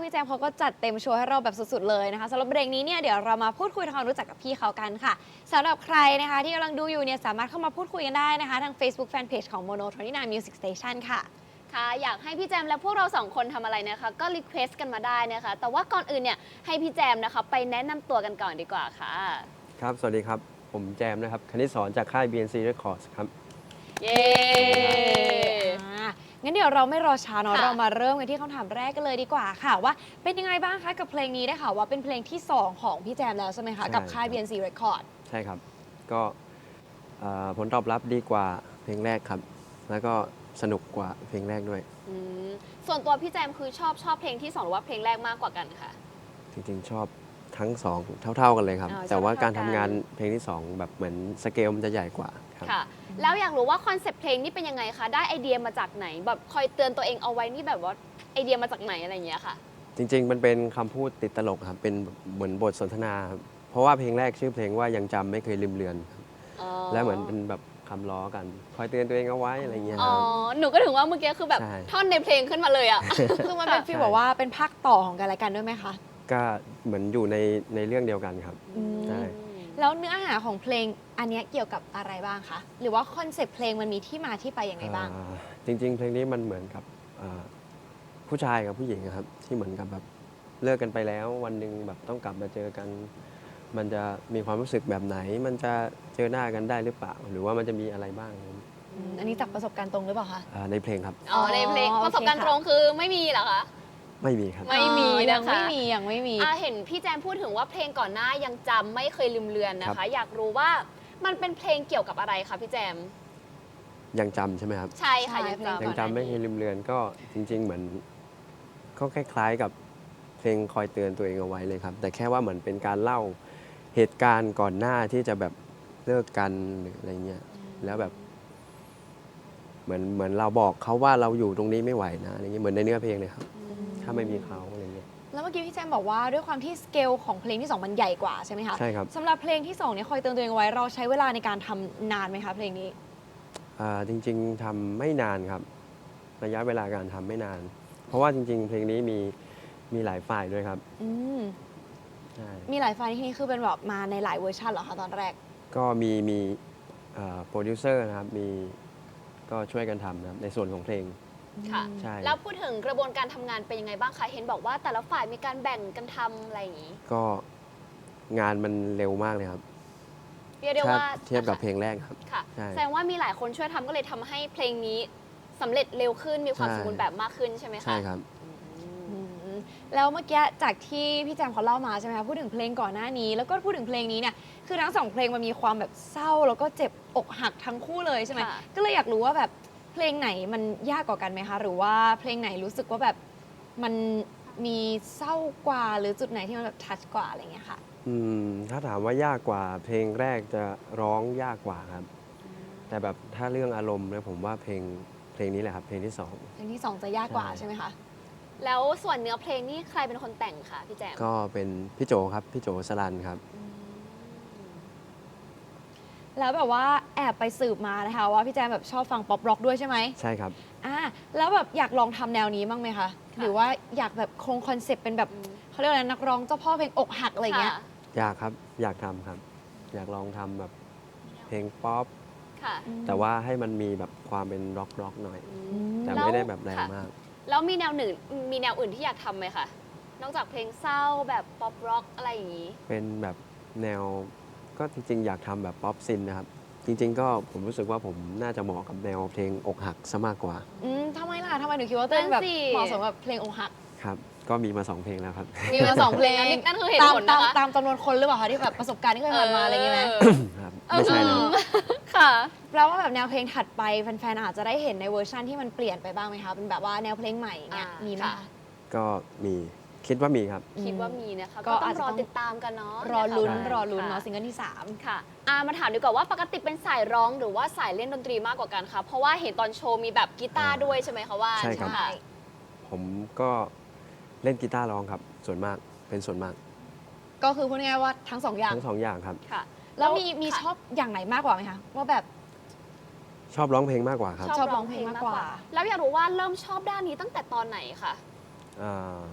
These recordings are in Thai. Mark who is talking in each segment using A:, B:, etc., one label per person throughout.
A: พี่แจมเขาก็จัดเต็มโชว์ให้เราแบบสุดๆเลยนะคะสำหรับเบรกนี้เนี่ยเดี๋ยวเรามาพูดคุยทำความรู้จักกับพี่เขากันค่ะสำหรับใครนะคะที่กำลังดูอยู่เนี่ยสามารถเข้ามาพูดคุยกันได้นะคะทาง Facebook Fanpage ของ Mono 29 Music Station ค่ะ
B: ค่ะอยากให้พี่แจมและพวกเราสองคนทำอะไรนะคะก็รีเควสต์กันมาได้นะคะแต่ว่าก่อนอื่นเนี่ยให้พี่แจมนะคะไปแนะนำตัวกันก่อนดีกว่าค่ะ
C: ครับสวัสดีครับผมแจมนะครับคณิตสอนจากค่าย BNC Records ครับ
B: เย้
A: งั้นเดี๋ยวเราไม่รอช้าเนาะ
B: ค่ะ
A: เรามาเริ่มกันที่คำถามแรกกันเลยดีกว่าค่ะว่าเป็นยังไงบ้างคะกับเพลงนี้ได้ค่ะว่าเป็นเพลงที่ 2 ของพี่แจมแล้วใช่ไหมคะกับค่าย BNC Record
C: ใช่ครับก็ผลตอบรับดีกว่าเพลงแรกครับแล้วก็สนุกกว่าเพลงแรกด้วย
B: อืมส่วนตัวพี่แจมคือชอบเพลงที่2หรือว่าเพลงแรกมากกว่ากันค่ะ
C: จริงๆชอบทั้งสองเท่าๆกันเลยครับ
B: อ๋อ
C: แต่ว่า
B: ชอบเท่า
C: การ
B: กั
C: ทำ
B: น
C: งานเพลงที่2แบบเหมือนสเกลมันจะใหญ่กว่าครับ
B: ค่ะแล้วอยากรู้ว่าคอนเซปต์เพลงนี่เป็นยังไงคะได้ไอเดียมาจากไหนแบบคอยเตือนตัวเองเอาไว้นี่แบบว่าไอเดียมาจากไหนอะไรอย่างเงี้ยค่ะ
C: จริงๆมันเป็นคำพูดติดตลกครับเป็นเหมือนบทสนทนาครับเพราะว่าเพลงแรกชื่อเพลงว่ายังจำไม่เคยลืมเลือนครับ
B: อ๋อ
C: และเหมือนเป็นแบบคำล้อกันคอยเตือนตัวเองเอาไว้อะไรเงี้ย
B: อ๋
C: ค
B: อ
C: รับ
B: หนูก็ถึงว่าเมื่อกี้คือแบบ
C: ใช่
B: ท่อนในเพลงขึ้นมาเลยอ่ะ
A: คือมันเป็นฟีลแบบว่าเป็นภาคต่อของกันและกันด้วยไหมคะ
C: ก็เหมือนอยู่ในเรื่องเดียวกันครับ ใช่
A: แล้วเนื้อหาของเพลงอันเนี้ยเกี่ยวกับอะไรบ้างคะหรือว่าคอนเซปต์เพลงมันมีที่มาที่ไปยังไงบ้าง
C: จริงๆ เพลงนี้มันเหมือนกับผู้ชายกับผู้หญิงอะครับที่เหมือนกับแบบเลิกกันไปแล้ววันหนึ่งแบบต้องกลับมาเจอกัน มันจะมีความรู้สึกแบบไหน มันจะเจอหน้ากันได้หรือเปล่า หรือว่ามันจะมีอะไรบ้าง
A: อันนี้จากประสบการณ์ตรงหรือเปล่าคะ
C: ในเพลงครับ
B: อ๋อในเพลง
A: อ๋อ
B: ประสบการณ์
A: โอเค
B: ต
A: ค่ะ
B: รงคือไม่มีเหรอคะ
C: ไม่มีครับ
B: ไม่มี
A: ยัง
B: นะคะ
A: ยังไม่มี
B: เห็นพี่แจมพูดถึงว่าเพลงก่อนหน้ายังจำไม่เคยลืมเลือนนะ
C: ครั
B: คะ
C: บ
B: อยากรู้ว่ามันเป็นเพลงเกี่ยวกับอะไรคะพี่แจม
C: ยังจำใช่ไหมครับ
B: ใช่ค่ะ
A: ใช่
B: ยัง
A: เพลง
B: จำ
C: ยังจำไม่เคยลืมเลือนก็จริง ๆ เหมือนก็คล้ายๆกับเพลงคอยเตือนตัวเองเอาไว้เลยครับ แต่แค่ว่าเหมือนเป็นการเล่าเหตุการณ์ก่อนหน้าที่จะแบบเลิกกันหรืออะไรเงี้ยแล้วแบบเหมือนเราบอกเขาว่าเราอยู่ตรงนี้ไม่ไหวนะอะไรเงี้ยเหมือนในเนื้อเพลงเลยครับ ถ้าไม่มีเขาอะไรเงี้ย
A: แล้วเมื่อกี้พี่แจมบอกว่าด้วยความที่สเกลของเพลงที่ 2 มันใหญ่กว่าใช่ไหมคะ
C: ใช่ครับ
A: สำหรับเพลงที่2เนี่ยคอยเตือนตัวเองเอาไว้เราใช้เวลาในการทำนานไหมคะเพลงนี้
C: จริงๆทำไม่นานครับ ระยะเวลาการทำไม่นาน เพราะว่าจริง ๆ เพลงนี้มีหลายฝ่ายด้วยครับ
A: อืม
C: ใช่
A: มีหลายไฟล์ที่นี่คือเป็นแบบมาในหลายเวอร์ชันเหรอคะตอนแรก
C: ก็มีโปรดิวเซอร์นะครับก็ช่วยกันทำนะครับในส่วนของเพลง
B: ค่ะ
C: ใช่
B: แล้วพูดถึงกระบวนการทำงานเป็นยังไงบ้างคะเห็นบอกว่าแต่ละฝ่ายมีการแบ่งกันทำอะไรอย่างนี้
C: ก็งานมันเร็วมากเลยครับ
B: เรียกได้
C: ถ้า
B: ว่า
C: เทียบกับเพลงแรกครับ
B: ค่ะ
C: ใช่
B: แสดงว่ามีหลายคนช่วยทำก็เลยทำให้เพลงนี้สำเร็จเร็วขึ้นมีความ
C: ใช่
B: สมบูรณ์แบบมากขึ้นใช่ไหมคะ
C: ใช่ครับ
A: อืมแล้วเมื่อกี้จากที่พี่แจมเขาเล่ามาใช่ไหมคะพูดถึงเพลงก่อนหน้านี้ แล้วก็พูดถึงเพลงนี้เนี่ยคือทั้งสองเพลงมันมีความแบบเศร้าแล้วก็เจ็บอกหักทั้งคู่เลยใช่ไหม
B: ค่ะ
A: ก็เลยอยากรู้ว่าแบบเพลงไหนมันยากกว่ากันไหมคะหรือว่าเพลงไหนรู้สึกว่าแบบมันมีเศร้ากว่าหรือจุดไหนที่มันแบบทัชกว่าอะไรอย่างเงี้ยค่ะ
C: ถ้าถามว่ายากกว่าเพลงแรกจะร้องยากกว่าครับ แต่แบบถ้าเรื่องอารมณ์เนี่ยผมว่าเพลงนี้แหละครับเพลงที่สอง
A: เพลงที่สองจะยากกว่า
C: ใช่
A: ใช่ไหมคะ
B: แล้วส่วนเนื้อเพลงนี่ใครเป็นคนแต่งคะพี่แจม
C: ก็เป็นพี่โจครับพี่โจสลันครับ
A: แล้วแบบว่าแอบไปสืบมานะคะว่าพี่แจมแบบชอบฟังป๊อปร็อกด้วยใช่ไหม
C: ใช่ครับ
A: แล้วแบบอยากลองทำแนวนี้บ้างไหมคะ หรือว่าอยากแบบคงคอนเซปต์เป็นแบบเขาเรียกว่าอะไรนักร้องเจ้าพ่อเพลงอกหักอะไรอย่างเงี้ย
B: ค่ะ
C: อยากครับอยากทำครับ อยากลองทำแบบเพลงป๊อป
B: ค่ะ
C: แต่ว่าให้มันมีแบบความเป็นร็อกหน่อย แต่
B: แล้ว
C: ไม่ได้แบบแรง
B: ค่ะ
C: มาก
B: แล้วมีแนวอื่นที่อยากทำไหมคะ นอกจากเพลงเศร้าแบบป๊อปร็อกอะไรอย่างนี้
C: เป็นแบบแนวก็จริงๆ อยากทำแบบป๊อปซินนะครับ จริง ๆ ก็ผมรู้สึกว่าผมน่าจะเหมาะกับแนวเพลงอกหักซะมากกว่า
A: ทำไมล่ะทำไมถึงคิดว่าตัวเองแบบ
B: นั่นสิ
A: เหมาะสมกับเพลงอกหัก
C: ครับ ก็มีมา2เพลงแล้วครับ
A: มีมาสองเพลง
B: นั่นคือเหตุ
A: ตาม
B: ผล
A: ตาม
B: นะคะ
A: ตามจำนวนคนหรือเปล่าคะที่แบบประสบการณ์ที่เคยผ่านมาอะไรอย่างเงี้ยไหม
C: ครับไม่ใช่แล้ว
B: ค่ะ
A: แปลว่าแบบแนวเพลงถัดไปแฟนๆอาจจะได้เห็นในเวอร์ชันที่มันเปลี่ยนไปบ้างไหมคะเป็นแบบว่าแนวเพลงใหม่เงี้ยมีไหม
B: ค่ะ
A: คะ
C: ก็มีคิดว่ามีครับ
B: คิดว่ามีนะคะ
A: ก็
B: ก็ต้อ
A: อาจ
B: ง
A: จะ
B: รอ
A: ต้อง
B: ติดตามกันเนาะ
A: รอลุ้น
B: ะคะ
A: รอลุ้น
B: ค่
A: เนาะซิงเกิลที่ 3
B: ค่ะมาถามดีกว่าว่าปกติเป็นสายร้องหรือว่าสายเล่นดนตรีมากกว่ากันคะเพราะว่าเห็นตอนโชว์มีแบบกีตาร์ด้วยใช่ไหมคะว่า
C: ใช่ครับ
B: ะ
C: ผมก็เล่นกีตาร์ร้องครับ ส่วนมากเป็นส่วนมาก
A: ก็คือพูดง่ายๆว่าทั้งสองอย่าง
C: ทั้งสองอย่างครับ
B: ค่ะ
A: แล้วมี
B: ค่ะ
A: ชอบอย่างไหนมากกว่าไหมคะว่าแบบ
C: ชอบร้องเพลงมากกว่าครับ
A: ชอบร้องเพลงมากกว่า
B: แล้วอยากรู้ว่าเริ่มชอบด้านนี้ตั้งแต่ตอนไหนคะ
C: อ่า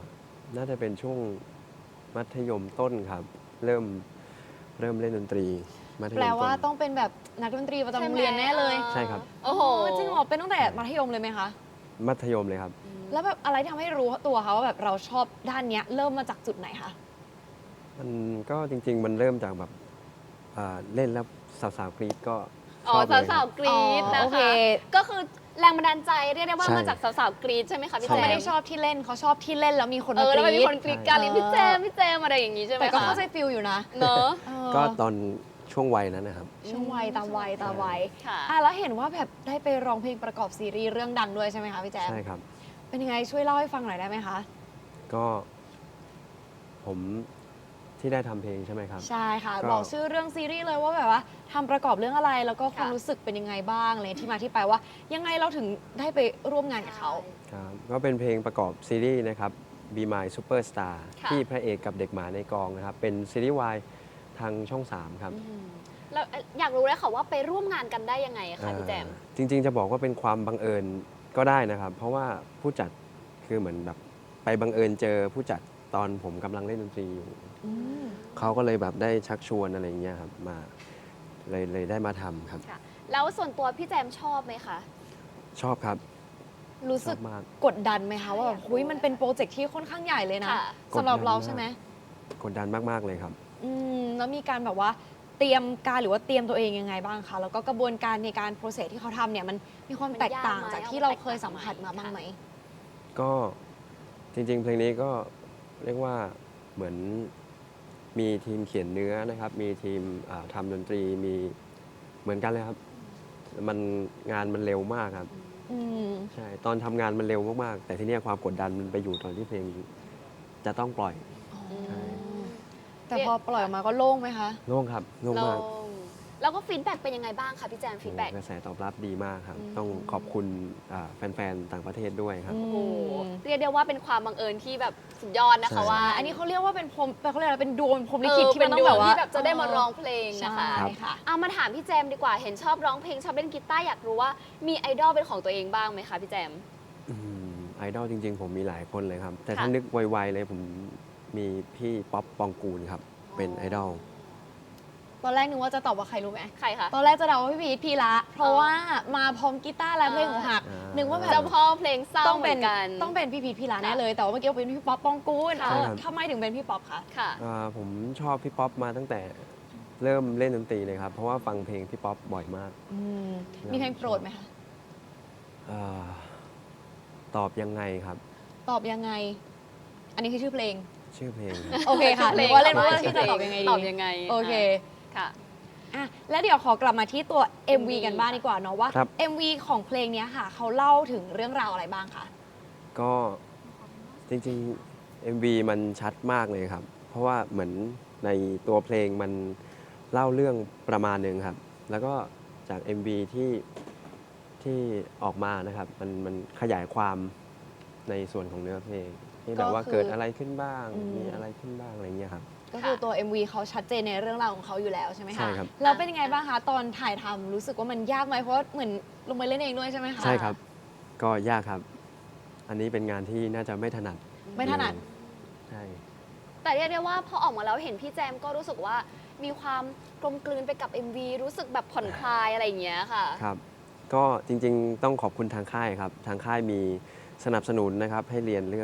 C: น่าจะเป็นช่วงมัธยมต้นครับ เริ่มเล่นดนตรีมัธยม
A: แปล
C: ต้น
A: ว่าต้องเป็นแบบนักดนตรีประจำโรงเรียนแน่เลย
C: ใช่ครับ
B: โอ้โห
A: จริงเหรอเป็นตั้งแต่มัธยมเลยไหมคะ
C: มัธยมเลยครับ
A: แล้วแบบอะไรที่ทำให้รู้ตัวคะว่าแบบเราชอบด้านเนี้ยเริ่มมาจากจุดไหนคะ
C: มันก็จริง ๆ มันเริ่มจากแบบเล่นแล้วสาวๆกรี๊ดก็ช
B: อ๋อ
C: อบเลยค
B: สา
C: รั
B: ว
C: บ
B: ๆกรี๊ด
A: อ๋อ
B: นะ
A: โอเค
B: คะก็คือแรงบันดาลใจเรียกได้ว่า
C: ใช่
B: มาจากสาวๆกรี๊ดใช่ไหมคะพี่
A: เขา
B: แจ
A: ไม่
B: ม
A: ได้ชอบที่เล่นเขาชอบที่เล่นแล้วมีคน
B: เอ
A: มา
B: อก แล้วมันมี
A: รี๊
B: ค
A: ด
B: นกรี๊ดการ
A: ใช่
B: พี่แจมอะไรอย่างงี้ใช่ไหม
A: แต่ก็
B: คะ
A: เข้าใจฟิลอยู่นะ
B: เนอะ
A: เออ
C: ก็ตอนช่วงวัยนั้นนะครับ
A: ช่วงวัยตามวัยตามวัย
B: ค่ะ
A: แล้วเห็นว่าแบบได้ไปร้องเพลงประกอบซีรีส์เรื่องดังด้วยใช่ไหมคะพี่แจ๊ค
C: ใช่ครับ
A: เป็นยังไงช่วยเล่าให้ฟังหน่อยได้ไหมคะ
C: ก็ผมที่ได้ทำเพลงใช่ไหมครับ
A: ใช่ค่ะ
C: ก็
A: บอกชื่อเรื่องซีรีส์เลยว่าแบบว่าทำประกอบเรื่องอะไร แล้วก็ความ
B: ค่ะ
A: รู้สึกเป็นยังไงบ้างเลยที่มาที่ไปว่า ยังไงเราถึงได้ไปร่วมงานกับเขา
C: ครับก็เป็นเพลงประกอบซีรีส์นะครับ Be My Superstar
B: ค่ะ
C: ที่พระเอกกับเด็กหมาในกองนะครับ เป็นซีรีส์วายทางช่อง 3 ครับ
B: แล้วอยากรู้เลยค่ะว่าไปร่วมงานกันได้ยังไงคะพี่แจม
C: จริง ๆ จะบอกว่าเป็นความบังเอิญก็ได้นะครับ เพราะว่าผู้จัดคือเหมือนแบบไปบังเอิญเจอผู้จัดตอนผมกำลังเล่นดนตรีอยู่ เขาก็เลยแบบได้ชักชวนอะไรอย่างเงี้ยครับมาเลยได้มาทำครับ
B: ค่ะ แล้วส่วนตัวพี่แจมชอบไหมคะ
C: ชอบครับ
A: รู้
C: ช
A: สึ
C: อก บมาก
A: กดดันไหมคะว่าแบบหุยมันเป็นโปรเจกต์ที่ค่อนข้างใหญ่เลยนะ
B: ค่ะ
A: สำหรับเรา
C: กดดันมาก
A: ใช่ไหม
C: กดดันมาก ๆ เลยครับ
A: แล้วมีการแบบว่าเตรียมการหรือว่าเตรียมตัวเองยังไงบ้างคะแล้วก็กระบวนการในการโปรเซสที่เขาทำเนี่ยมันมีความแตกต่างจากที่เราเคยสัมผัสมาบ้างไหม
C: ก็จริง ๆ เพลงนี้ก็เรียกว่าเหมือนมีทีมเขียนเนื้อนะครับ มีทีมทำดนตรีมีเหมือนกันเลยครับ งานมันเร็วมากครับ
A: อืม
C: ใช่ตอนทำงานมันเร็วมากๆ แต่ทีเนี้ยความกดดันมันไปอยู่ตอนที่เพลงจะต้องปล่อย ใช่
A: แต่พอปล่อยออกมาก็โล่งไหมคะ
C: โล่งครับโล่งมาก
B: แล้วก็ฟีดแบ็กเป็นยังไงบ้างคะพี่แจมฟีดแบ็ก
C: กระแสตอบรับดีมากครับ ต้องขอบคุณแฟนๆต่างประเทศด้วยครับ
A: อืม
B: โอ้โหเรียกได้ว่าเป็นความบังเอิญที่แบบสุดยอดนะคะ
C: ใช่
B: ว่า
A: อันนี้เขาเรียกว่าเป็นพรหมเขาเรียกอะไรเป็นดวงพรหมลิขิตที่
B: เป็
A: มัน นต้องแบบว่า
B: ที่แบบจะได้มาร้องเพลงนะคะ
A: ใช่ค่ะ
B: เอามาถามพี่แจมดีกว่า เห็นชอบร้องเพลงชอบเล่นกีตาร์อยากรู้ว่ามีไอดอลเป็นของตัวเองบ้างไหมคะพี่แจม
C: ไอดอลจริง ๆ ผมมีหลายคนเลยครับ แต่
B: ค่ะ
C: ถ้านึกไวๆเลยผมมีพี่ป๊อปปองกูลครับ เป็นไอดอล
A: ตอนแรกนึกว่าจะตอบว่าใครรู้ไหม
B: ใครคะ
A: ตอนแรกจะเดาว่าพี่พีทพีระเพราะว่ามาพร้อมกีตาร์และเพลงของหัก
C: อ่านึ
A: นึกว่าแบ
B: เจ้า
A: บ
B: พ่อเพลงเศร้า
A: ต้อง
B: เหมื
A: เป็
B: อน นกัน
A: ต้องเป็นพี่พีทพีระแน่เลย แต่ว่าเมื่อกี้เป็นพี่ป๊อปปองกูล
B: ค่ะ
C: ใช่ครับ
A: ทำไมถึงเป็นพี่ป๊อปคะ
B: ค่ะ
C: ผมชอบพี่ป๊อปมาตั้งแต่เริ่มเล่นดนตรีเลยครับ เพราะว่าฟังเพลงพี่ป๊อปบ่อยมาก
A: มีเพลงโปรดไหมคะ
C: อ่าตอบยังไงครับ
A: ตอบยังไง อันนี้คือชื่อเพลง
C: ชื่อเพลงครับ
A: โอเคค่ะ
B: เพ
A: ห
B: ล
A: รื
B: ง
A: อว่าเล่น
B: ของ
A: ว่า
B: บ้าน
A: ที่จะตอบยังไงดี
B: ตอบยังไง
A: โอเค
B: ค่ะ
A: อ่ะแล้วเดี๋ยวขอกลับมาที่ตัว MV กันบ้างดีกว่าเนาะว่า
C: ครับ
A: MV ของเพลงเนี้ยค่ะ เขาเล่าถึงเรื่องราวอะไรบ้างคะ
C: ก็จริงๆ MV มันชัดมากเลยครับ เพราะว่าเหมือนในตัวเพลงมันเล่าเรื่องประมาณหนึ่งครับ แล้วก็จาก MV ที่ออกมานะครับ มันขยายความในส่วนของเนื้อเพลงที่แบบว่าเกิดอะไรขึ้นบ้าง มีอะไรขึ้นบ้างอะไรเงี้ยครับ
A: ก็คือตัว MV เขาชัดเจนในเรื่องราวของเขาอยู่แล้วใช่ไหมคะ
C: ใช่ครับ
A: แล้วเป็นยังไงบ้างคะ ตอนถ่ายทำรู้สึกว่ามันยากไหมเพราะว่าเหมือนลงไปเล่นเองด้วยใช่ไหมคะ
C: ใช่ครับ ก็ยากครับ อันนี้เป็นงานที่น่าจะไม่ถนัด
A: ไม่ถนัด
C: ใช่
B: แต่เรียกได้ว่าพอออกมาแล้วเห็นพี่แจมก็รู้สึกว่ามีความกลมกลืนไปกับ MV รู้สึกแบบผ่อนคลายอะไรอย่างเงี้ยค่ะ
C: ครับ ก็จริงๆ ต้องขอบคุณทางค่ายครับ ทางค่ายมีสนับสนุนนะครับ ให้เรียนเรื่อง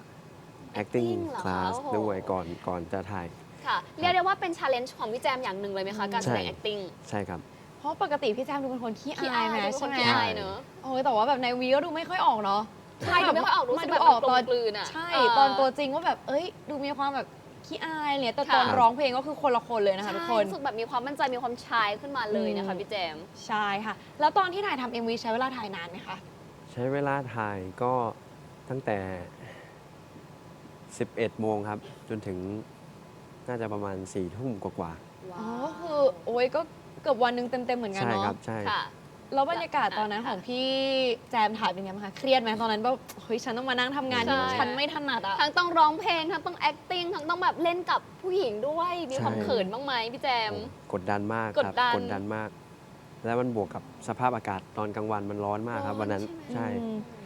C: acting
B: acting เหรอคะ
C: class
B: โอ้โห
C: ด้วยก่อนจะถ่าย
B: ค่ะ เรียกได้ว่าเป็น challenge ของพี่แจมอย่างหนึ่งเลยไหมคะ การแสดง
C: ใช่
B: acting
C: ใช่ครับ
A: เพราะปกติพี่แจมดูเป็นคนขี้อายไหม
B: ดูเป็นค
A: ใช่
B: น
A: ไหม
B: ขี้อายเนอะ
A: โอ้ยแต่ว่าแบบในวีก็ดูไม่ค่อยออกเนาะ
B: ใช่ดูไม่ค่อยออกรู้สึ
A: มาก ดู
B: แบบ
A: ออก
B: กล
A: ตอ
B: ม
A: น
B: กลืนอ่ะ
A: ใช่
B: เ
A: ตอนตัวจริงว่าแบบเอ้ย ดูมีความแบบขี้อายเนี่ยแต่ตอน
C: ค่ะ
A: ร้องเพลงก็คือคนละคนเลยนะคะ
B: ใช่
A: ทุกคน
B: รู้สึกแบบมีความมั่นใจมีความชายขึ้นมาเลยนะคะพี่แจม
A: ใช่ค่ะ แล้วตอนที่ถ่ายทำ MV ใช้เวลาถ่ายนานไหมคะ
C: ใช้เวลาถ่ายก็ตั้งแต่ 11 โมงครับ จนถึงน่าจะประมาณ 4 ทุ่มกว่า
A: อ๋อคือโอ้ยก็เกือบวันหนึงเต็มๆเหมือน
C: ๆ
A: กัน
C: ใช่ครั
A: เนาะ
C: บ ใช่
B: ค่ะ
A: แล้วบรรยากาศตอนนั้นของพี่แจมถ่ายเป็นไงบ้างคะ เครียดไหมตอนนั้นแบบเฮ้ยฉันต้องมานั่งทำงานที่
B: ใช่
A: ฉันไม่ถนัดอะ
B: ทั้งต้องร้องเพลง ทั้งต้อง acting ทั้งต้องแบบเล่นกับผู้หญิงด้วย มีความ
C: ใช่
B: เขินบ้างไหมพี่แจม
C: โอ้กดดันมาก
B: ก
C: ครั
B: ด
C: บ
B: ดัน
C: กดดันมาก แล้วมันบวกกับสภาพอากาศตอนกลางวันมันร้อนมากครับ
B: ร้อน
C: วันนั้น
B: ใช่ไหม
C: ใช่
A: อืม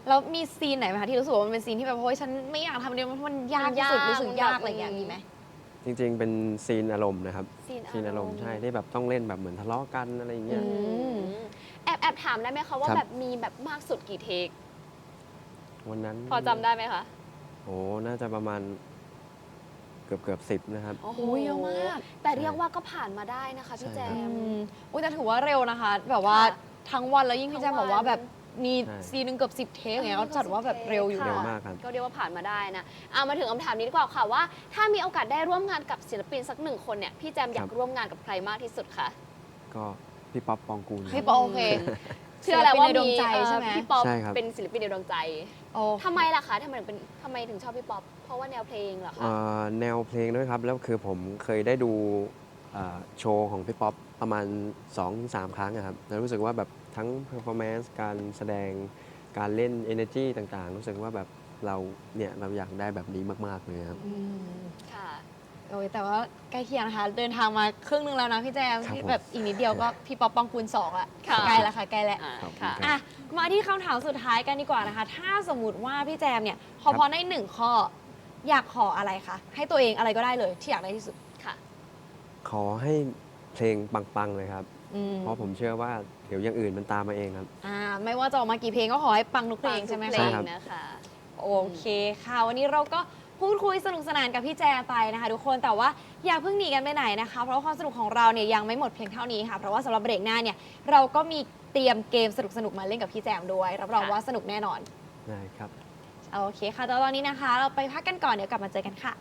A: แล้วมีซีนไหนไหมคะที่รู้สึกว่ามันเป็นซีนที่แบบโอ้ยฉันไม่อยากทำเดียวมันยากที่สุดรู้สึกยากอะไรอย่างเงี้ยมีไหม
C: จริงๆ เป็นซีนอารมณ์นะครับ
B: ซีน
C: ซีนอารมณ์ใช่ที่แบบต้องเล่นแบบเหมือนทะเลาะกันอะไรอย่างเงี้ย
A: อืม
B: แอบถามได้ไหมคะว่า
C: ครับ
B: แบบมีแบบมากสุดกี่เทค
C: วันนั้น
B: พอจำได้ไหมคะ
C: โอ้น่าจะประมาณเกือบ10นะครับ
B: โอ้โห
A: เยอะมาก
B: แต่เรียกว่าก็ผ่านมาได้นะคะพี่แจ
C: ใช่
B: ม
A: อุ้ยแต่ถือว่าเร็วนะคะ แบบว่า
B: ค่ะ
A: ทั้งวันแล้วยิ่งพี่แจมบอกว่าแบบมี
C: ใช่
A: ซีนหนึงเกือบ10 เทคอย่างเงี้ยก็จัดว่าแบบเร็วอยู่
B: ค่ะ
C: เร็ว
A: นะ
C: มากครับ
B: ก็เรียกว่าผ่านมาได้นะเอามาถึงคำถามนี้ดีกว่าค่ะว่า ถ้ามีโอกาสได้ร่วมงานกับศิลปินสักหนึ่งคนเนี่ยพี่แจมอยากร่วมงานกับใครมากที่สุดคะ
C: ก็พี่ป๊อปปองกูลค
A: พี่
C: รับ
A: ปอโอเค
B: เชื่อแล้วว่า
A: ศิลปินในดว
B: มี
A: งใจใช่ไหม
B: พี่ป๊อป
C: ใช่ครับ
B: เป็นศิลปินในดวงใจ
A: โอ้
B: ทำไมล่ะคะทำไมถึงชอบพี่ป๊อปเพราะว่าแนวเพลงเหรอคะ
C: แนวเพลงด้วยครับ แล้วคือผมเคยได้ดูโชว์ของพี่ป๊อปประมาณ 2-3 ครั้งอะครับแล้วรู้สึกว่าแบบทั้ง performance การแสดงการเล่น energy ต่างๆ รู้สึกว่าแบบเราอยากได้แบบนี้มากๆเลยครับ
A: อืม
B: ค่ะ
A: โอ้ยแต่ว่าใกล้เคียงนะคะ เดินทางมาครึ่งนึงแล้วนะพี่แจม
C: ครับ
A: ที่
C: ผม
A: แบบอีกนิดเดียวก็พี่ป๊อปปองกูล2ละ
B: ค่ะ
A: ใกล้แล้วค่ะใกล้แล้ว
B: อ่า
C: ขอบคุณ
B: ค่ะ
C: ครับ
A: อ่ะมาที่คำถามสุดท้ายกันดีกว่านะคะ ถ้าสมมติว่าพี่แจมเนี่ยขอพรได้หนึ่งข้อ อยากขออะไรคะให้ตัวเองอะไรก็ได้เลยที่อยากได้ที่สุด
B: ค่ะ
C: ขอให้เพลงปังๆเลยครับ
A: อืม
C: เพราะผมเชื่อว่าเดี๋ยวอย่างอื่นมันตามมาเองครับ
A: ไม่ว่าจะออกมากี่เพลงก็ขอให้ปังทุกเพลงใช่ไหม
B: เพล
A: คะ
C: ใช่
B: ง
C: ครับ
B: นะคะ
A: โอเคค่ะ วันนี้เราก็พูดคุยสนุกสนานกับพี่แจไปนะคะทุกคนแต่ว่าอย่าเพิ่งหนีกันไปไหนนะคะ เพราะว่าความสนุกของเราเนี่ยยังไม่หมดเพียงเท่านี้ค่ะเพราะว่าสำหรับเบรกหน้าเนี่ยเราก็มีเตรียมเกมสนุกๆมาเล่นกับพี่แจมด้วยรับรอง
B: ค่ะ
A: ว่าสนุกแน่นอน
C: ได้ครับ
A: โอเคค่ะแต่ตอนนี้นะคะ เราไปพักกันก่อนเดี๋ยวกลับมาเจอกันค่ะ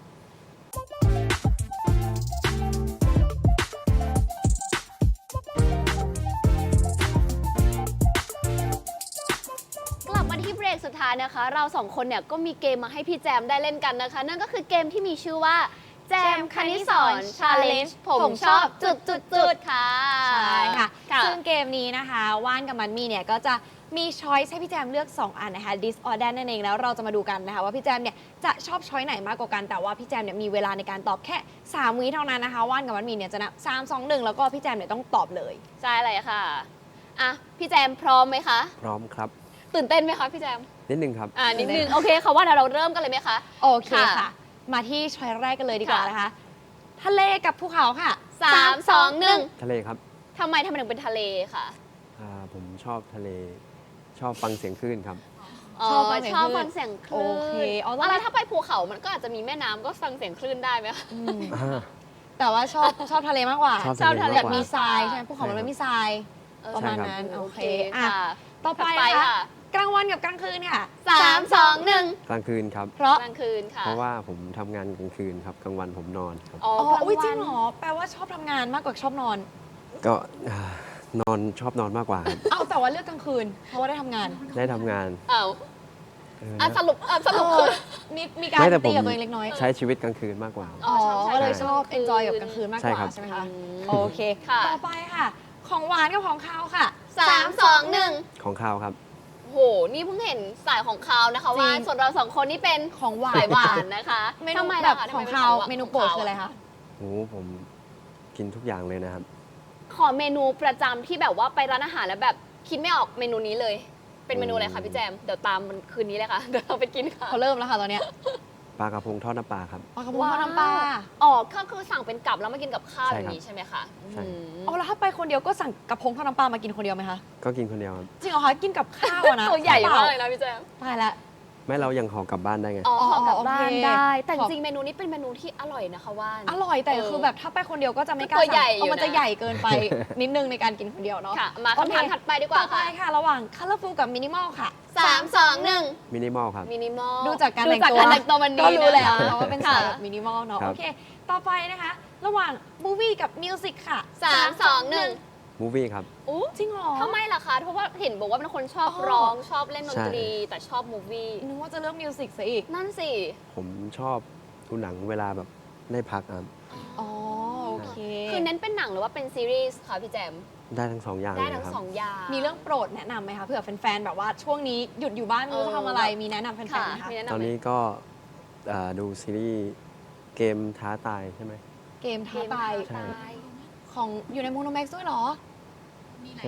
B: กลับมาที่เบรกสุดท้ายนะคะ เราสองคนเนี่ยก็มีเกมมาให้พี่แจมได้เล่นกันนะคะ นั่นก็คือเกมที่มีชื่อว่าแจมคณิสอนชาเลนจ์ผมชอบจุดๆๆค่ะ
A: ใช่ค่ะ
B: ค่ะ
A: ซึ่งเกมนี้นะคะว่านกับมันมีเนี่ยก็จะมีช้อยส์ให้พี่แจมเลือก 2 อันนะคะ this or that นั่นเองแล้วเราจะมาดูกันนะคะว่าพี่แจมเนี่ยจะชอบช้อยไหนมากกว่ากันแต่ว่าพี่แจมเนี่ยมีเวลาในการตอบแค่ 3 วิเท่านั้นนะคะว่านกับมันมีเนี่ยจะนับ3 2 1 แล้วก็พี่แจมเนี่ยต้องตอบเลย
B: ใช่เลยค่ะอ่ะพี่แจมพร้อมไหมคะ
C: พร้อมครับ
B: ตื่นเต้นไหมคะพี่แจม
C: นิดนึงครับ
B: นิดนึงโอเคค่ะว่าเดี๋ยวเราเริ่มกันเลยไหมคะ
A: โอเค
B: ค่ะ
A: ค่ะ มาที่ช้อยแรกกันเลยดีกว่า
B: ค่ะ
A: นะคะทะเลกับภูเขาค่ะ
B: 3 2 1
C: ทะเลครับ
B: ทำไมถึงเป็นทะเลค่ะ
C: ผมชอบทะเล ชอบฟังเสียงคลื่นครับ
A: ชอบฟังเสียง
B: ชอบ
A: คลื่น
B: ฟังเสียงคลื่น
A: โอเคเอาแล้ว
B: อะไรถ้าไปภูเขามันก็อาจจะมีแม่น้ำก็ฟังเสียงคลื่นได้ไหมคะ
A: อืมแต่ว่าชอบทะเลมากกว่า
C: ชอบ
B: ชอบทะเล
A: แบบ
C: มากกว่า
A: มีทรายใช่ไหมภูเขามันไม่มีทราย ประมาณ
C: ใช่ครับ
A: นั้นโอเค
B: ค่ะ
A: ต่อไป
B: ถัด
A: นะคะ
B: ค่ะ
A: กลางวันกับกลางคืนค่ะ
B: 3 2 1
C: กลางคืนครับ
A: เพราะ
B: กลางคืนค่ะ
C: เพราะว่าผมทำงานกลางคืนครับ กลางวันผมนอนครับ
B: อ๋อ
A: อ๋อก
B: ลาง
A: อุ้ยจริ
B: วั
A: ง
B: น
A: เหรอแปลว่าชอบทำงานมากกว่าชอบนอน
C: ก็นอนชอบนอนมากกว่าครับ
A: เอาแต่ว่าเลือกกลางคืน เพราะว่าได้ทำงาน
C: ได้ทำงาน
B: อ้าว
C: เออ
B: อ่ะ
C: นะ
B: สรุปคือ
A: มีการ
C: ไม่แต่ผม
A: ตีกับตัวเองเล็กน้อย
C: ใช้ชีวิทกลางคืนมากกว่า
A: อ๋อ
B: ใช้
A: ก็เลยชอบ
B: กลางคืน
A: enjoy กับกลางคืนมากก
C: ใช่
A: ว่า
C: ครับ
A: ใช่ไหมคะ
B: อืม
A: โอเค
B: ค่ะ
A: ต่อไปค่ะ ของหวานกับของคาวค่ะ
B: 3 2 1
C: ของข้าวครับ
B: โห นี่เพิ่งเห็นสายของคาวนะคะ
A: จริง
B: ว่าส่วนเราสองคนนี่เป็น
A: ของหวา
B: สาน ยหวานนะคะ
A: เมนู
B: ทำไม
A: แบ
B: ล่ะ
A: บ
B: คะ
A: ของ
B: ทำไมป็
A: คาว
B: ข
A: เมนูโปรดคืออะไรคะ
C: โอ้ผมกินทุกอย่างเลยนะครับ
B: ขอเมนูประจำที่แบบว่าไปร้านอาหารแล้วแบบคิดไม่ออกเมนูนี้เลย เป็นเมนูอะไรคะพี่แจม เดี๋ยวตามมันคืนนี้เลยค่ะ เดี๋ยวเราไปกินค่ะ
A: เขาเริ่มแล้วค่ะตอนเนี้ย
C: ปลากระพงทอดน้ำปลาครับ
A: ปลากระพงทอดน้ำปลา
B: อ๋อก็คือสั่งเป็นกับแล้วมากินกับข้าว
C: ใช่
B: อย่าง
C: ครับ
B: นี้ใช่ไหมคะ
C: ใช่
B: อืม
A: เอาแล้วถ้าไปคนเดียวก็สั่งกระพงทอดน้ำปลามากินคนเดียวไหมคะ
C: ก็กินคนเดียวครับ
A: จริงเหรอคะกินกับข้าวอะนะ
B: ตัวใหญ่
A: เป
B: มา
A: ล่
B: กเลยนะพี่แจม
A: ตายแล้ว
C: ไม่เรายังห่อกลับบ้านได้ไง
B: อ๋อ
A: อ๋อ
B: ห่อกลับบ้าน
A: โอเค
B: ได้ แต่
A: ขอบ
B: จริงๆเมนูนี้เป็นเมนูที่อร่อยนะคะว่าน
A: อร่อยแต่
B: เออ
A: คือแบบถ้าไปคนเดียวก็จะไม่กล้า
B: ตัวใหญ่
A: สั่ง
B: อยู่
A: มันจะ
B: นะ
A: ใหญ่เกินไป นิดนึงในการกินคนเดียวเนาะ
B: ค่ะ มาคำถาม
A: โอเค
B: ถัดไปดีกว่า
A: ต่อไป
B: ค่ะ
A: ค่ะ ระหว่าง colorful กับ minimal ค่ะ
B: 3 2 1
C: มินิมอลครับ
B: มินิมอล
A: ดูจากการแต่งตัว
B: ดูจากการแต่งตัววันนี้
A: ก็รู้แล้ว
B: นะคะ
A: ว่าเป็นสายแบบ minimal เนาะ
C: ครับ
A: โอเค ต่อไปนะคะ ระหว่าง movie กับ music ค่ะ
B: 3 2 1
C: มูวี่ครับ
B: อู้
A: จริงเหรอ
B: ทำไมล่ะคะ เพราะว่าเห็นบอกว่าเป็นคนชอบ
A: อ๋อ
B: ร้องชอบเล่นดนตรี
C: ใช่
B: แต่ชอบมูฟวี่
A: นึกว่าจะเลือก music ซะอีก
B: นั่นสิ
C: ผมชอบดูหนังเวลาแบบได้พักครับ
A: อ๋อ โอเค
B: คือเน้นเป็นหนังหรือว่าเป็นซีรีส์คะพี่แจม
C: ได้ทั้งสองอย่าง
B: ได้
C: เลย
B: ทั้ง
C: ครับ
B: สองอย่าง
A: มีเรื่องโปรดแนะนำไหมคะเผื่อแฟนๆ แบบว่าช่วงนี้หยุดอยู่บ้านไม่รู้จะทำอะไร มีแนะนำแฟน
B: ค่ะ
A: ๆไหมคะ
B: มีแนะนำ
C: ตอน
B: ไหม
C: นี้ก็ดูซีรีส์เกมท้าตายใช่ไหม
A: เกมท้าตาย
C: ใช่
A: ของอยู่ในโมโนแม็กซ์ด้วยเหรอ
C: ใช่ไหม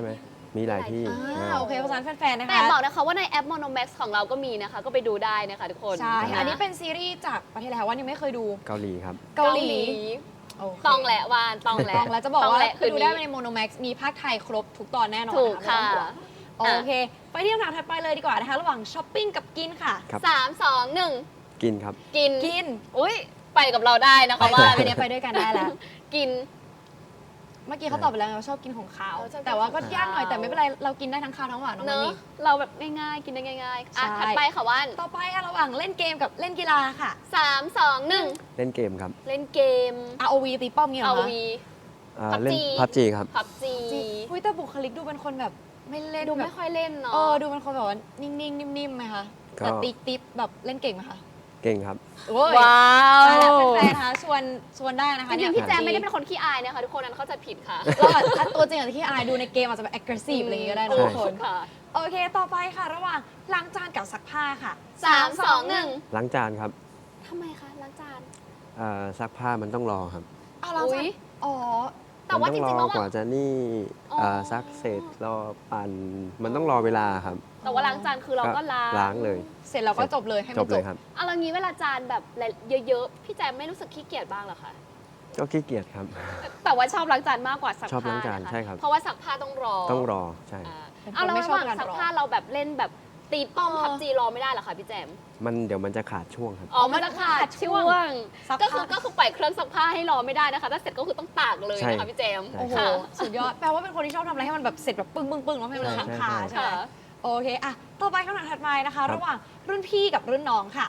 C: มีหลายที่
A: โอเคเพราะฉะนั้นแฟนๆนะคะ
B: แต่บอกนะคะว่าในแอป Monomax ของเราก็มีนะคะ ก็ไปดูได้นะคะทุกคน
A: ใช่
B: ะ
A: อันนี้เป็นซีรีส์จากประเทศอะไรคะว่ายังไม่เคยดู
C: เกาหลีครับ
A: เกาหลีโเค
B: ต้องแหละวานต้องแหละ
A: ต้องแล้วจะบอก
B: ต้ง
A: ว่า
B: แหละ
A: คือดูได้
B: คืน
A: ใน
B: นี้
A: Monomax มีภาคไทยครบทุกตอนแน่นอน
B: ถูก
A: น
B: ค่ะ
A: ไม่ต้องห่วงโอเค ไปที่คำถามถัดไปเลยดีกว่านะคะ ระหว่างช้อปปิ้งกับกินค่ะ
C: ครับ
B: 3 2 1
C: กินครับ
B: กิน
A: กิน
B: อุ้ยไปกับเราได้นะ
A: ไป
B: คะว่า
A: ไปเนี่ยไปด้วยกันได้แล้ว
B: กิน
A: เมื่อกี้เขาตอบไปแล้วไงว่าชอบกินของขาว
B: ชอบกิน
A: แต่ว่าก็
B: ของขาว
A: ยากหน่อยแต่ไม่เป็นไรเรากินได้ทั้งขาวทั้งหวานน้อง
B: เน
A: มัน
B: อะ
A: นี่
B: เราแบบง่ายๆ กินได้ง่ายๆอ่ะ
A: ใช่
B: ถัดไปค่ะว่าน
A: ต่อไปค่ะระหว่างเล่นเกมกับเล่นกีฬาค่ะ
B: 3 2 1
C: เล่นเกมครับ
B: เล่นเกม
A: ROV ตีป้อมเงี้ยเหร
B: เอา
A: อคะ
B: วี
C: เล่น
B: PUBG
C: พับจีครับ
B: พับจี
A: อุ้ยแต่บุคลิกดูเป็นคนแบบไม่เล่น
B: ดู
A: แบ
B: ไม่
A: บ
B: ค่อยเล่นเนาะ
A: ดูเป็นคนแบบว่านิ่งๆนิ่มๆไหมคะ
C: ก็
A: แต่ติ๊บแบบเล่นเก่งไหมคะ
C: เก่งครับ
A: โอ้ย
B: ว้า
A: ตายแล้ว
B: ว
A: แฟนๆนะคะชวนได้นะคะ
B: จริงๆ
A: เนี่ย
B: พี่แจมไม่ได้เป็นคนขี้อายนะคะทุกคนนั้นเข้าใจผิดค่ะ
A: เราอาจตัวจริงอาจจะที่อายดูในเกมอาจจะแบบ aggressive อะไรอย่างเงี้ยก็ได้นะ
C: ใช่
A: ทุกคน
B: ค่ะ
A: โอเค ต่อไปค่ะ ระหว่างล้างจานกับซักผ้าค่ะ
B: 3 2 1
C: ล้างจานครับ
B: ทำไมคะล้างจาน
C: ซักผ้ามันต้องรอครับ
A: เอาล้างจาน
B: อุ๊ย
A: อ๋อ
B: แต่ว่า
C: มัน
B: จ
C: ต้อง
B: ริงๆ
C: ร
B: แล้
C: อ
B: ว
C: กว่า
B: อะ
C: จะนี่
B: อ๋อ
C: ซักเสร็จรอปั่นมันต้องรอเวลาครับ
B: แต่ว่าล้างจานคือเราก็ล้าง
C: ล้างเลย
A: เสร็จแล้วก็จบเลยให้
C: จ
A: มัน
C: บ
A: จ
C: เลย
A: บ
C: ครับ
B: เอาแล้วงี้เวลาจานแบบเยอะๆ พี่แจมไม่รู้สึกขี้เกียจบ้างเหรอคะ
C: ก็ขี้เกียจครับ
B: แต่ว่าชอบล้างจานมากกว่าซัก
C: ชอบ
B: ผ้า
C: ล้างจาน
B: นะคะ
C: ใช่ครับ
B: เพราะว่าซักผ้าต้องรอ
C: ต้องรอใช่
B: อ่า
A: เป็นคน
B: เอาแล้ว
A: ไม่
B: ระ
A: ช
B: ห
A: อบ
B: ว่าง
A: การ
B: ซัก
A: รอ
B: ผ้าเราแบบเล่นแบบตีป้อมพับจีรอไม่ได้เหรอคะพี่แจม
C: เดี๋ยวมันจะขาดช่วงครับ
B: อ๋อมันจะขาดช่วง
A: ซัก
B: ก็
A: ผ้า
B: คือปล่อยเครื่องซักผ้าให้รอไม่ได้นะคะถ้าเสร็จก็คือต้องตากเลย
C: ใช่
B: นะคะพี่แจม
C: ใช่
A: โอ้โห
B: ค่ะ
A: สุดยอด แปลว่าเป็นคนที่ชอบทำอะไรให้มันแบบเสร็จแบบปึ้งปึ้งปึ้งแล้วให้มัน
C: ใช่
A: ค้าง
C: ใช่
A: คา
C: ใช่
A: ใช่ไหม
B: ค่ะ
A: โอเคอะต่อไปคำถามถัดมานะคะ ระหว่างรุ่นพี่กับรุ่นน้องค่ะ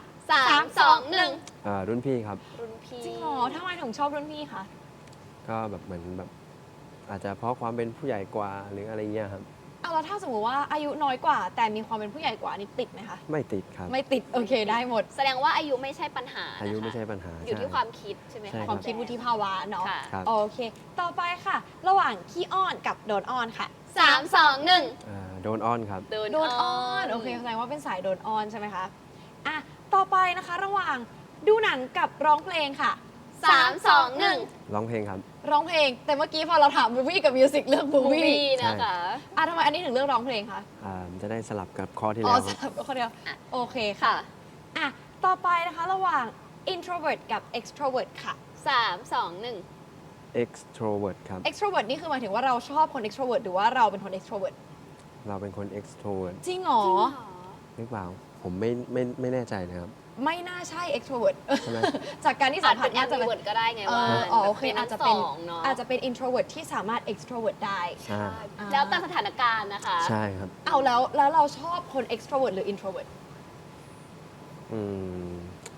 B: 3 2 1
C: รุ่นพี่ครับ
B: รุ่นพี่
A: จริงเหรอทำไมถึงชอบรุ่นพี่คะ
C: ก็แบบเหมือนแบบอาจจะเพราะความเป็นผู้ใหญ่กว่าหรืออะไรเงี้ยครับ
A: เอาแล้วถ้าสมมติว่าอายุน้อยกว่า แต่มีความเป็นผู้ใหญ่กว่านี่ติดไหมคะ
C: ไม่ติดครับ
A: ไม่ติดโอเคได้หมด
B: แสดงว่าอายุไม่ใช่ปัญหานะคะ
C: อายุไม่ใช่ปัญหา
B: อยู่ที่
C: ใช่
B: ความคิดใช่ไหม
C: ใช่
B: คะ
A: ความคิดวุฒิภาวะเนาะ
B: ค่ะ
C: ครับ
A: โอเค ต่อไปค่ะ ระหว่างขี้อ้อนกับโดนอ้อนค่ะ
B: 3 2 1
C: โดนอ้อนครับ
A: โดนอ้อนโอเคแสดงว่าเป็นสายโดนอ้อนใช่ไหมคะอ่ะต่อไปนะคะ ระหว่างดูหนังกับร้องเพลงค่ะ
B: 3 2 1
C: ร้องเพลงครับ
A: ร้องเพลง แต่เมื่อกี้พอเราถามมูวี่กับมิวสิกเลือกมู
B: มู
A: วี่
B: วี่นะคะ
A: อ่ะทำไมอันนี้ถึงเลือกร้องเพลงคะ
C: จะได้สลับกับข้อที่
A: อ๋อ
C: แล้ว
A: ส
C: ครับ
A: ลับคนเดียวโอเคค่ะ
B: ค่ะ
A: อ่ะต่อไปนะคะระหว่าง introvert กับ extrovert ค่ะ
B: 3 2 1
C: extrovert ครับ
A: extrovert นี่คือหมายถึงว่าเราชอบคน extrovert หรือว่าเราเป็นคน extrovert
C: เราเป็นคน extrovert
A: จริงเหรอ
C: หรือเปล่า ผมไม่แน่ใจนะครับ
A: ไม่น่าใช่ extrovert
C: ใช่ไหม
A: จากการที่
B: อา
A: สั
B: จ
A: มผั
B: เป็
A: ส
B: น
A: น่าจะเป็น
B: ambivert ก็ได้ไง
A: เอ
B: ว่า
A: ออ๋อโอเค
B: แบบ
A: อาจจะเป็น
B: ทั้งสองเนาะ
A: อาจจะเป็น introvert ที่สามารถ extrovert ได้
C: ใช่
B: แล้วแต่สถานการณ์นะคะ
C: ใช่ครับ
A: เอาแล้วเราชอบคน extrovert หรือ introvert
C: อืม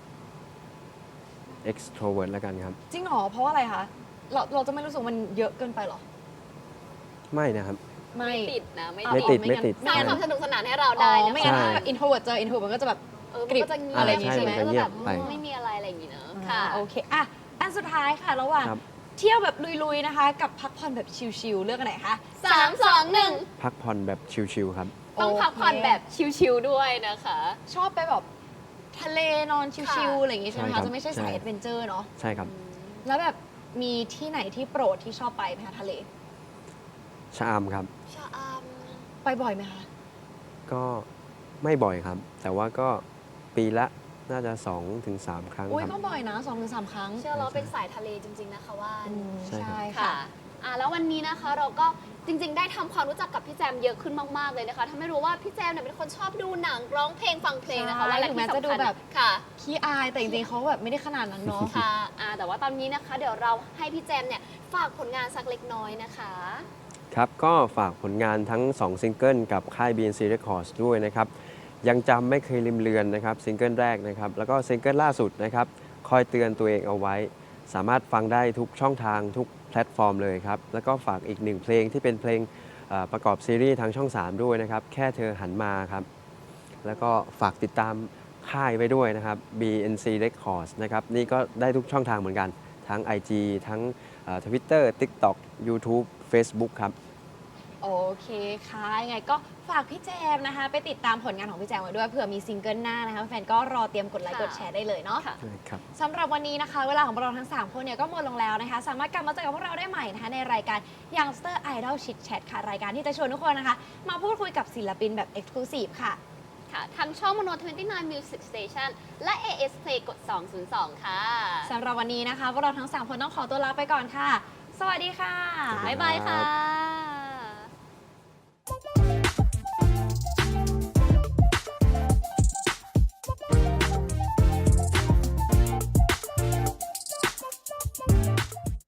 C: extrovert แล้วกันครับ
A: จริงเหรอ เพราะว่าอะไรคะ เราจะไม่รู้สึกมันเยอะเกินไปเหรอ
C: ไม่นะครับ
A: ไม่
B: ไม่ติดนะ ไม่
C: ไม่ติดไม่ติด
B: สร้างความสนุกสนานให้เรา
A: อ๋
B: ได้
A: อ
B: นะ
A: ไม่
B: คะ
A: งั้น
C: ใช่
A: ถ้าแบบ introvert เจอ introvert มันก็จะแบบ
B: มันก็จะเงียบ
A: อะไรอย่างงี้
B: ใช่ไหม
C: ใช่มันจะเงียบไป
B: ไม่มีอะไรอะไรอย่างงี้เนอะ
A: ค่ะ
B: ค่ะ
A: โอเค อ่ะ อันสุดท้ายค่ะ ระหว่าง
C: ครับ
A: เที่ยวแบบลุยๆนะคะ กับพักผ่อนแบบชิลๆเลือกอันไหนคะ
B: 3 2 1
C: พักผ่อนแบบชิลๆครับ
B: ต้องพักผ่อนแบบชิลๆด้วยนะคะ
A: ชอบไปแบบทะเลนอนชิลๆอะไรอย่างงี้ใช่ไหม
C: ใช่ครั
A: คะ
C: บ
A: จะไม่ใช่สาย
C: ใช่
A: แอดเวนเจอร์เนาะ
C: ใช่ครับ
A: แล้วแบบมีที่ไหนที่โปรดที่ชอบไปไหมคะทะเล
C: ชะอำครับ
B: ชะอ
A: ไปบ่อยไหมคะ
C: ก็ไม่บ่อยครับ แต่ว่าก็ปีละน่าจะ 2-3 ครั้ง
A: อุ้ย
C: ครับ
A: ก็บ่อยนะ2-3 ครั้ง
B: ำเชื่อเราเป็นสายทะเลจริง ๆ นะคะว่า
A: อืม
C: ใช่ครับ
A: ใช่
B: ค่ะ
A: ค่ะ
B: แล้ววันนี้นะคะเราก็จริง ๆ ได้ทำความรู้จักกับพี่แจมเยอะขึ้นมาก ๆ เลยนะคะทำให้รู้ว่าพี่แจมเนี่ยเป็นคนชอบดูหนังร้องเพลงฟังเพลงนะคะ
A: ใช่
B: และ
A: ถึงแม้
B: ที่
A: จะดู
B: สำคัญ
A: แบบ
B: ค่ะ
A: ขี้อายแต่จริงๆเขาแบบไม่ได้ขนาดนั้นเนาะ
B: ค่ะแต่ว่าตอนนี้นะคะเดี๋ยวเราให้พี่แจมเนี่ยฝากผลงานสักเล็กน้อยนะคะ
C: ครับ ก็ฝากผลงานทั้ง 2 ซิงเกิลกับค่าย BNC Records ด้วยนะครับ ยังจำไม่เคยลืมเลือนนะครับซิงเกิลแรกนะครับ แล้วก็ซิงเกิลล่าสุดนะครับ คอยเตือนตัวเองเอาไว้ สามารถฟังได้ทุกช่องทางทุกแพลตฟอร์มเลยครับ แล้วก็ฝากอีกหนึ่งเพลงที่เป็นเพลงประกอบซีรีส์ทางช่อง 3 ด้วยนะครับ แค่เธอหันมาครับ แล้วก็ฝากติดตามค่ายไว้ด้วยนะครับ BNC Records นะครับ นี่ก็ได้ทุกช่องทางเหมือนกัน ทั้ง IG ทั้งTwitter TikTok YouTube Facebook ครับ
A: โอเคค่ะยังไงก็ฝากพี่แจมนะคะ ไปติดตามผลงานของพี่แจมไว้ด้วยเผื่อมีซิงเกิลหน้านะคะแฟนก็รอเตรียมกดไลค์
B: ค่ะ
A: กดแชร์ได้เลยเนาะ
B: ค่ะ
C: ใช่ครับ
A: สำหรับวันนี้นะคะ เวลาของเราทั้ง 3 คนเนี่ยก็หมดลงแล้วนะคะ สามารถกลับมาเจอกับพวกเราได้ใหม่นะคะในรายการ Youngster Idol Chit Chat ค่ะ รายการที่จะชวนทุกคนนะคะ มาพูดคุยกับศิลปินแบบ Exclusive ค่ะ
B: ค่ะทางช่อง Mono 29 Music Station และ AS Play กด 202 ค่ะ
A: สำหรับวันนี้นะคะพวกเราทั้ง 3 คนต้องขอตัวลาไปก่อนค่ะ สวัสดีค่ะ
C: สวัสดี
B: บ๊ายบายค่ะ